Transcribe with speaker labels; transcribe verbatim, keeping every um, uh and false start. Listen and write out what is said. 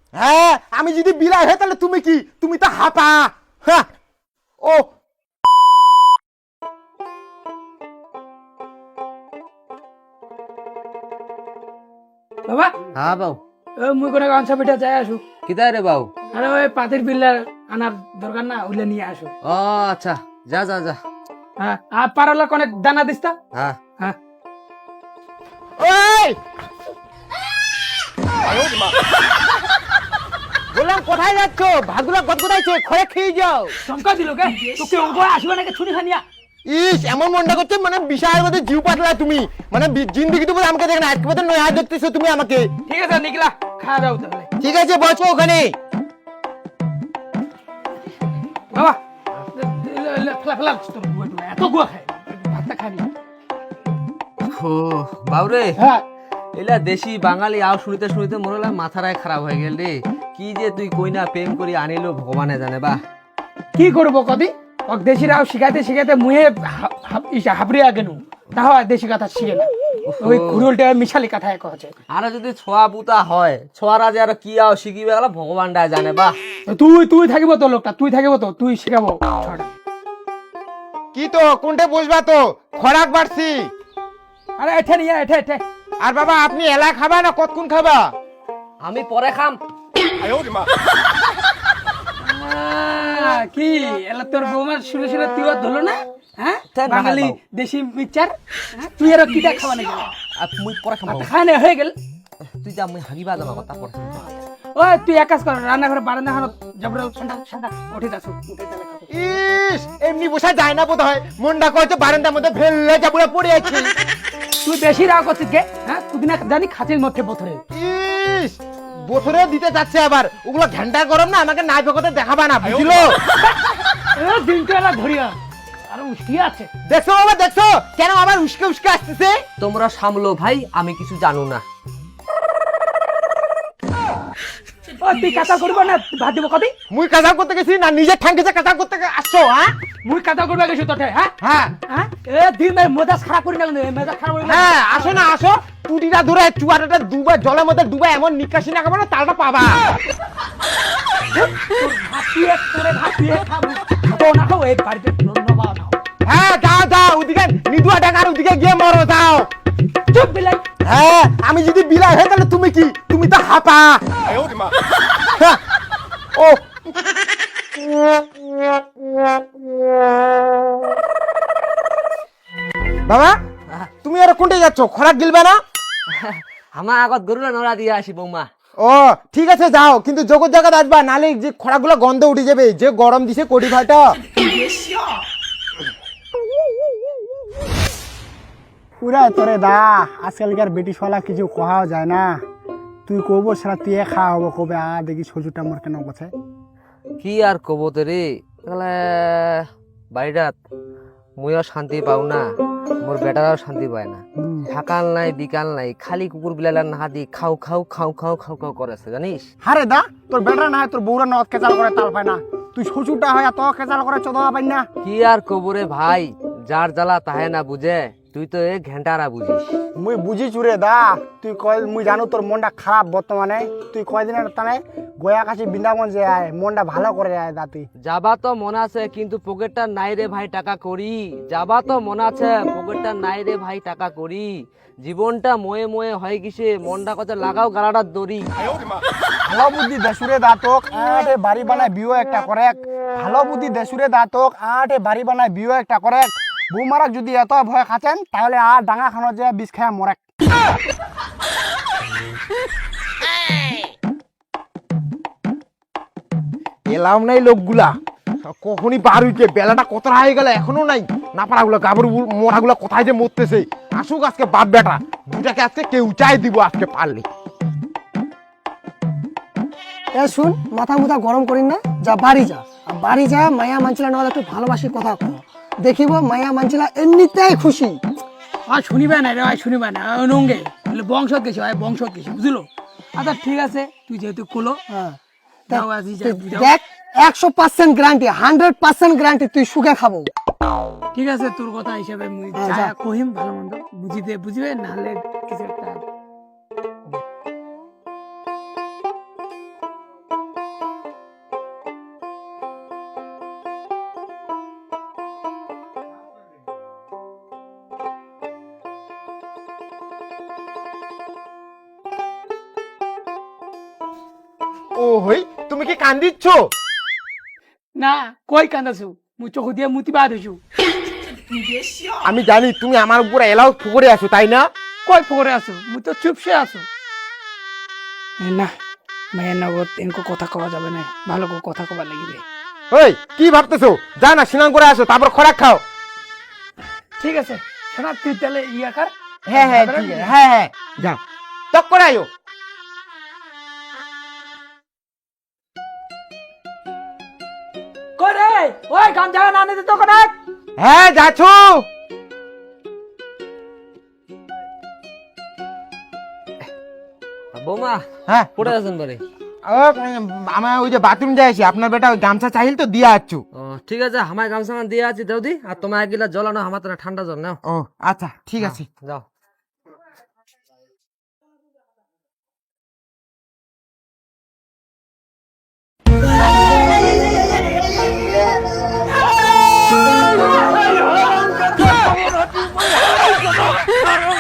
Speaker 1: হ্যাঁ আমি যদি বিলাই হয় তাহলে তুমি কি? তুমি তো হাপা। হ্যাঁ ও
Speaker 2: বাবা
Speaker 3: হ্যাঁ বাউ
Speaker 2: ও মুই কোনে গান পিঠা যাই আসু।
Speaker 3: কিদায় রে বাউ?
Speaker 2: আরে ওই পাতির বিল্লা আনার দরকার না, ওইলে নিয়ে আসো।
Speaker 3: ও আচ্ছা, যা যা যা।
Speaker 2: হ্যাঁ আর পারলা কোনে দানা দিস্তা।
Speaker 3: হ্যাঁ
Speaker 2: হ্যাঁ
Speaker 1: ওই বললাম কোথায় যাচ্ছ? ভাগুলা গদগদাইছে, খয়ে খেয়ে যাও।
Speaker 2: চমকা দিল কে তোকে ওগো আসবে নাকি ছুরি খানিয়া।
Speaker 1: ইস এমন মনটা করছে মানে বিশাল মধ্যে জিউ পাতলা তুমি, মানে বি- জিন্দিগি তো আমাকে দেখ না, আজকে মতো নয়া দেখতেছো তুমি আমাকে।
Speaker 2: ঠিক আছে নিকলা খাওয়া দাও তাহলে।
Speaker 1: ঠিক আছে বসো ওখানে।
Speaker 2: বাবা ফেলা ফেলা তোর গুয়া টুলা এত গুয়া খায়, ভাতটা খাবি।
Speaker 3: ও বাউরে,
Speaker 2: হ্যাঁ
Speaker 3: এলা দেশি বাঙালি আও শুনিতে শুনিতে মরলা মাথারায় খারাপ হয়ে গেল রে। কি যে তুই কইনা প্রেম করি আনিলো ভগবানে জানে। বা
Speaker 2: কি করবো কদি ওক দেশিরাও শিখাইতে শিখাইতে মুহে হাবড়িয়া গেনু, তাও আর দেশি কথা শিখে না। ওই ঘুরুলটা মিশালি কথা এক আছে।
Speaker 3: আর যদি ছোয়া বুতা হয়, ছোয়ারা যে আর কি আও শিখিবে গেল ভগবানটা জানে। বা
Speaker 2: তুই তুই থাকিব তো লোকটা, তুই থাকিব তো, তুই শিখাবো ছড়া।
Speaker 1: কি তো কোনটা বসবা তো? খরাক বাড়ছি।
Speaker 2: আরে এঠে নিয়ে এঠে এঠে।
Speaker 1: আর বাবা আপনি এলা খাবা না কতক্ষণ খাবা?
Speaker 3: আমি পরে খাম।
Speaker 2: আহ, কি এলা তোর বৌমার শুনে শুনে তুই আর ধরলো না? হ্যাঁ
Speaker 3: তা না
Speaker 2: বাঙালি
Speaker 3: হয় বাবু।
Speaker 2: দেশি মিক্সচার, হ্যাঁ? তুই আর কিটা খাওয়া নাকি?
Speaker 3: আর মুই পরে খাম বাবু।
Speaker 2: খানে হয়ে গেল।
Speaker 3: তুই যা, মুই হাগিবা যাবো তারপর।
Speaker 2: ওই তুই এক কাজ কর, রান্নাঘরে বারান্দা খানো জবর ঠান্ডা ঠান্ডা উঠে যাস উঠে তাহলে খাবো।
Speaker 1: ইস এমনি বসা যায় না বোধ হয়, মনটা করছে বারান্দার মধ্যে ফেললে যাবুড়া পড়ে আছি।
Speaker 2: তুই বেশি রাগ করছিস গে, হ্যাঁ? তুই না জানি খাঁচির মধ্যে বোথরে।
Speaker 1: ইস বছরে দিতে যাচ্ছে আবার, ওগুলো ঘন্টা গরম না, আমাকে নাই ভেকতে দেখাবা না, বুঝলো?
Speaker 2: এ দিনটা এলা ধরিয়া আর উষ্টি আছে।
Speaker 1: দেখছো বাবা দেখছো কেন আবার উস্কে উস্কে আসতেছে?
Speaker 3: তোমরা সামলো ভাই, আমি কিছু জানো না।
Speaker 2: ও তুই কাঁচা করবো না ভাত দিব কবি?
Speaker 1: মুই কাজা করতে গেছি না নিজের ঠাঙ্কিতে কাজা করতে আসছো? হ্যাঁ
Speaker 2: মুই কাঁচা করবে গেছি তোতে, হ্যাঁ?
Speaker 1: হ্যাঁ
Speaker 2: হ্যাঁ এ দিন ভাই মেজাজ খারাপ করি না কিন্তু, এ মেজাজ খারাপ করি না।
Speaker 1: হ্যাঁ আসো না আসো, টুটিটা ধরে চুয়াটাটা দুবার জলের মধ্যে ডুবা এমন নিকাশি না খাবো না তালটা পাবা।
Speaker 2: ভাপিয়ে করে ভাপিয়ে খাবো। তো না খাও এই বাড়িতে ধন্যবাদ নাও।
Speaker 1: হ্যাঁ যাও যাও ওদিকে নিদুয়া ডাকার ওদিকে গিয়ে মরো যাও।
Speaker 2: চুপ বিলাই।
Speaker 1: হ্যাঁ আমি যদি বিলাই হয় তাহলে তুমি কি? তুমি তো হাপা। হ্যাঁ, ও বাবা তুমি আর কোনটা যাচ্ছ? খরাক গিলবে না?
Speaker 3: আমার আগত গরুলা নড়া দিয়ে আসি বৌমা।
Speaker 1: ও ঠিক আছে যাও, কিন্তু জগৎ জায়গা আসবা, নালে যে খরাগুলো গন্ধ উঠে যাবে, যে গরম দিছে কোটি ভাইটা।
Speaker 4: পুরা তোরে দা আজকালকার বেটিশলা কিছু কোহাও যায় না। তুই কব সারা তুই খাওয়া হবো কবে আ দেখি সজুটা মোর কেন গছে।
Speaker 3: কি আর কব তো রে, তাহলে বাড়িটাত মুইও শান্তি পাও না, মোর বেটারাও শান্তি পায় না। সকাল নাই বিকাল নাই, খালি কুকুর বিলালার না হাতি খাও খাও খাও খাও খাও খাও করেছে জানিস।
Speaker 4: হারে দা তোর বেটা না হয় তোর বউরা নদ কেচাল করে তাল পায় না, তুই সজুটা হয় এত কেচাল করে চোদা পাই না।
Speaker 3: কি আর কব রে ভাই, যার জ্বালা তাহে না বুঝে, তুই তো এ ঘেন্টারা বুঝিস।
Speaker 4: মুই বুঝি চুরে দা, তুই কয় মুই জানো তোর মনটা খারাপ বর্তমানে, তুই কয়দিনের টানে গয়া কাছে বৃন্দাবন যে আয় মনটা ভালো করে আয় দা। তুই
Speaker 3: যাবা তো মন আছে কিন্তু পকেটটা নাই রে ভাই টাকা করি। যাবা তো মন আছে পকেটটা নাই রে ভাই টাকা করি। জীবনটা ময়ে ময়ে হয় কিসে, মনটা কত লাগাও গালাটার দড়ি।
Speaker 4: ভালো বুদ্ধি দেশুরে দা তোক আটে বাড়ি বানায় বিও একটা করে। ভালো বুদ্ধি দেশুরে দা তোক আটে বাড়ি বানায় বিও একটা করে। বৌমারাক যদি এত ভয় খাচ্ছেন তাহলে আর ডাঙা খানো যে বিষ খায় মরে।
Speaker 1: এলাম নাই লোকগুলা, কখনই বার হইতে বেলাটা কতটা হয়ে গেল এখনো নাই। না পারাগুলো গাবর মোড়াগুলো কোথায় যে মরতেছে। আসুক আজকে বাপ বেটা দুটাকে আজকে কেউ চাই দিব আজকে পারলে।
Speaker 5: এ শুন, মাথা মুথা গরম করিন না, যা বাড়ি যা। আর বাড়ি যা মায়া মানছিলা নহলে একটু ভালোবাসি কথা কো, দেখিব মায়া মানছিলা এমনিতেই খুশি।
Speaker 2: আর শুনিবে না রে, আর শুনিবে না, নঙ্গে বংশত গেছি ভাই, বংশত গেছি বুঝলো। আচ্ছা ঠিক আছে, তুই যেহেতু কোলো
Speaker 5: হ্যাঁ
Speaker 2: যাও আজি যাও, বুঝাও।
Speaker 5: দেখ একশো percent guarantee, hundred percent guarantee তুই সুখে খাবো।
Speaker 2: ঠিক আছে তোর কথা হিসাবে মুই
Speaker 5: হ্যাঁ,
Speaker 2: যা
Speaker 5: যা।
Speaker 2: কহিম ভালো মন্দ বুঝিতে বুঝিবে, নাহলে কিছু একটা
Speaker 1: ও হই তুমি কি কান্দিচ্ছ?
Speaker 2: না কই কান্দাছু মুই চোখ দিয়ে মুতি বাদ হইছু।
Speaker 1: আমি জানি তুমি আমার উপর এলাও ফুকরে আছো তাই না?
Speaker 2: কই ফোরে আছো মুই তো চুপসে আছো। না মায়ের নগদ এনকো কথা কওয়া যাবে না, ভালো করে কথা কবার লাগিবে।
Speaker 1: ওই কি ভাবতেছো? যা না স্নান করে আসো তারপর খোরাক খাও।
Speaker 2: ঠিক আছে শোনা তুই তাহলে ইয়া কর।
Speaker 1: হ্যাঁ হ্যাঁ ঠিক আছে, হ্যাঁ হ্যাঁ যাও তক করে আয়ো।
Speaker 2: করে ওই গাম জায়গা না নিতে তো কোনে।
Speaker 1: হ্যাঁ যাচ্ছো।
Speaker 3: বৌমা
Speaker 1: হ্যাঁ
Speaker 3: পড়ে আছেন বারে?
Speaker 1: ও, আমার ওই যে বাথরুম যাইছি, আপনার বেটা ওই গামছা চাইল তো দিয়ে আছো।
Speaker 3: ও ঠিক আছে, আমায় গামছা দিয়ে আছি দাও দি, আর তোমার এক গিলাস জল আনো, আমার তো না ঠান্ডা জল নাও।
Speaker 1: ও আচ্ছা ঠিক আছে।
Speaker 3: যাও।
Speaker 2: Oh,